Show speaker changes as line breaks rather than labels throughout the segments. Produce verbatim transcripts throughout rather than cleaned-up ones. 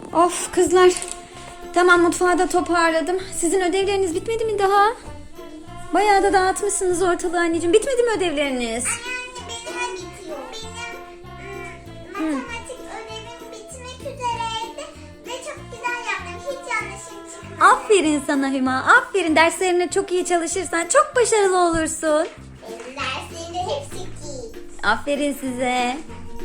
Of kızlar. Tamam, mutfağı da toparladım. Sizin ödevleriniz bitmedi mi daha? Bayağı da dağıtmışsınız ortalığı anneciğim. Bitmedi mi ödevleriniz?
Anne anne benim bitiyor. Benim ım, matematik ödevim bitmek üzereydi ve çok güzel yaptım. Hiç yanlışım çıkmadı.
Aferin sana Hüma. Aferin. Derslerine çok iyi çalışırsan çok başarılı olursun.
Benim derslerimde hepsi iyi.
Aferin size.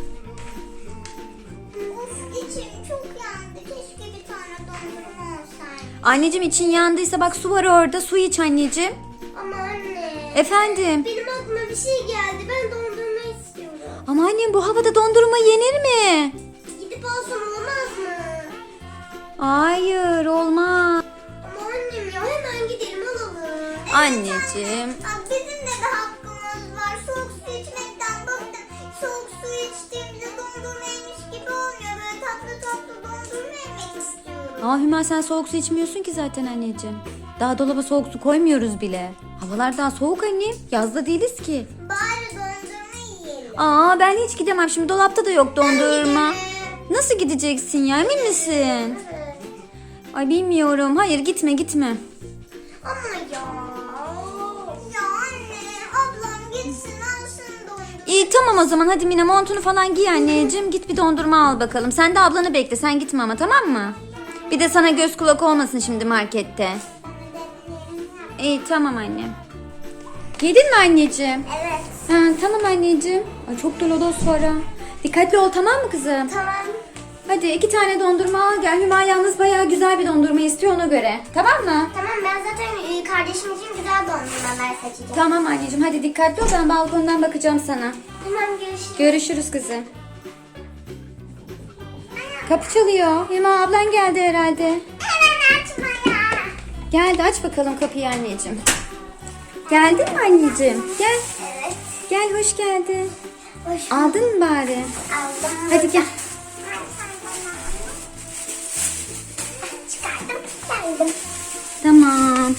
Of içim çok yandı. Keşke bir tane dondurma olsaydı.
Anneciğim için yandıysa bak su var orada. Su iç anneciğim.
Ama anne.
Efendim?
Benim aklıma bir şey geldi. Ben dondurma istiyorum.
Ama annem bu havada dondurma yenir mi?
Gidip alsam olmaz mı?
Hayır, olmaz.
Ama annem ya hemen gidelim alalım. Evet,
Anneciğim.
anne. Aa, bizim de bir hakkımız var. Soğuk su içmekten bıktım. Soğuk su içtiğimde dondurma yemiş gibi olmuyor. Böyle tatlı tatlı dondurma yemek istiyorum.
Aa Hüma, sen soğuk su içmiyorsun ki zaten anneciğim. Daha dolaba soğuk su koymuyoruz bile. Havalar daha soğuk annem. Yazda değiliz ki.
Bari dondurma yiyelim.
Aa ben hiç gidemem. Şimdi dolapta da yok dondurma.
Gidelim.
Nasıl gideceksin ya, emin misin?
Evet.
Ay bilmiyorum. Hayır, gitme gitme.
Ama ya. Ya anne ablam gitsin alsın dondurma.
İyi tamam o zaman, hadi Mine montunu falan giy anneciğim. Git bir dondurma al bakalım. Sen de ablanı bekle, sen gitme ama, tamam mı? Bir de sana göz kulak olmasın şimdi markette. İyi tamam annem. Giydin mi anneciğim?
Evet.
Ha, tamam anneciğim. Ay çok da lodos var ha. Dikkatli ol, tamam mı kızım?
Tamam.
Hadi iki tane dondurma al gel. Hüma yalnız bayağı güzel bir dondurma istiyor, ona göre. Tamam mı?
Tamam ben zaten e, kardeşim için güzel dondurmalar seçeceğim.
Tamam anneciğim, hadi dikkatli ol, ben balkondan bakacağım sana.
Tamam görüşürüz.
Görüşürüz kızım. Kapı çalıyor. Hüma ablan geldi herhalde.
Hemen açma ya.
Geldi, aç bakalım kapıyı anneciğim. Geldin mi anneciğim? Gel.
Evet.
Gel, hoş geldin.
Hoş
Aldın mı bari?
aldım.
Hadi gel.
Çıkardım geldim.
Tamam.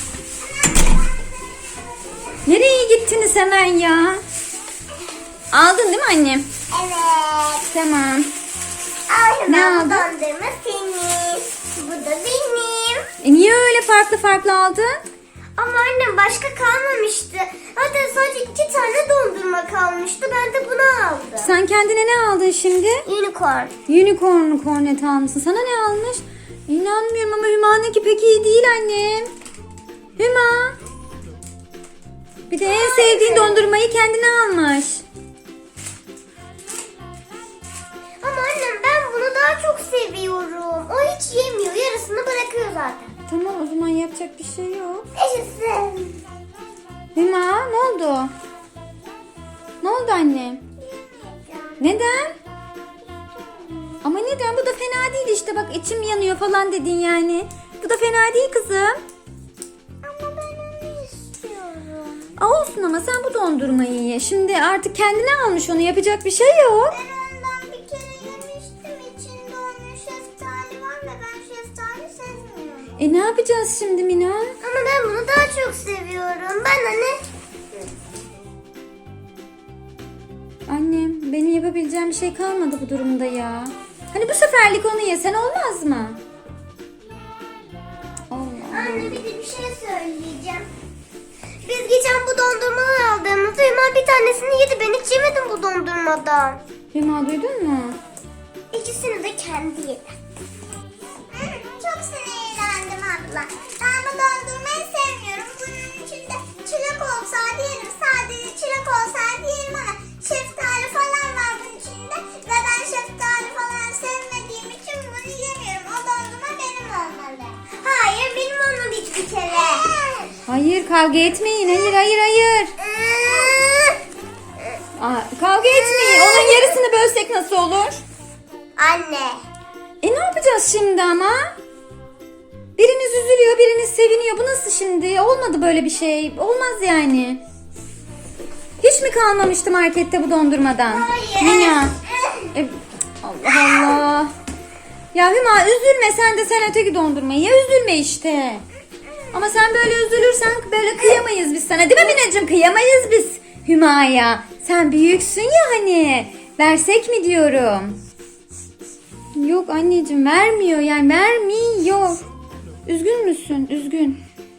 Nereye gittiniz hemen ya? Aldın değil mi annem?
Evet.
Tamam.
Al
Ne
hemen bu
aldın?
dondurma senin. Bu da benim.
E niye öyle farklı farklı aldın?
Ama annem başka kalmamıştı. Zaten sadece iki tane dondurma kalmıştı. Ben de bunu aldım.
Sen kendine ne aldın şimdi?
Unicorn.
Unicorn kornet almışsın. Sana ne almış? İnanmıyorum ama Hüma'nınki pek iyi değil annem. Hüma. Bir de en sevdiğin dondurmayı kendine almış.
Ama annem ben bunu daha çok seviyorum. O hiç yemiyor. Yarısını bırakıyor zaten.
Tamam o zaman, yapacak bir şey yok.
Yaşasın.
Hüma ne oldu? Ne oldu annem? Neden? Ama neden? Bu da fena değil işte. Bak içim yanıyor falan dedin yani. Bu da fena değil kızım.
Ama ben onu istiyorum.
Aa, olsun ama sen bu dondurmayı ye. Şimdi artık kendine almış onu. Yapacak bir şey yok.
Ben ondan bir kere yemiştim. İçinde onun şeftali var ve ben şeftali sevmiyorum.
E ne yapacağız şimdi Mina?
Ama ben bunu daha çok seviyorum. Ben anne.
Annem, benim yapabileceğim bir şey kalmadı bu durumda ya. Hani bu seferlik onu yesen olmaz mı? Allah.
Anne bir de bir şey söyleyeceğim. Biz geçen bu dondurmaları aldığımızda hemen bir tanesini yedi. Ben hiç yemedim bu dondurmadan.
Hüma duydun mu?
İkisini de kendi yedi. Çok sinirlendim abla. Ben bu dondurmayı sevmiyorum. Bunun içinde çilek olsaydı yerim. Sadece çilek olsaydı yerim ama şeftali falan var bunun içinde. Ve ben şeftali falan sevmediğim için bunu yemiyorum. O dondurma benim olmalı. Hayır benim olmalı hiçbir kere.
Hayır, kavga etmeyin. Hayır hayır hayır. Aa, kavga etmeyin. Onun yarısını bölsek nasıl olur?
Anne.
E ne yapacağız şimdi ama? Biriniz üzülüyor, biriniz seviniyor. Bu nasıl şimdi? Olmadı böyle bir şey. Olmaz yani. Hiç mi kalmamıştı markette bu dondurmadan?
Hayır.
Mina. E, Allah Allah. Ya Hüma üzülme sen de, sen öteki dondurmayı ya, üzülme işte. Ama sen böyle üzülürsen böyle kıyamayız biz sana. Değil mi Minacığım? Kıyamayız biz Hüma'ya. Sen büyüksün ya hani. Versek mi diyorum. Yok anneciğim vermiyor yani vermiyor. Üzgün müsün? Üzgün.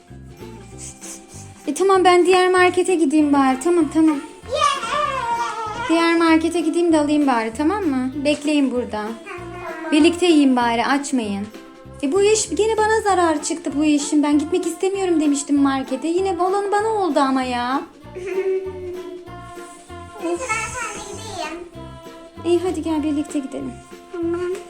E tamam ben diğer markete gideyim bari. Tamam tamam. Diğer markete gideyim de alayım bari tamam mı? Bekleyin burada. Birlikte yiyin bari açmayın. E bu iş gene bana zarar çıktı bu işin. Ben gitmek istemiyorum demiştim markete. Yine olan bana oldu ama ya.
Neyse ben seninle gideyim.
İyi hadi gel birlikte gidelim.
Tamam.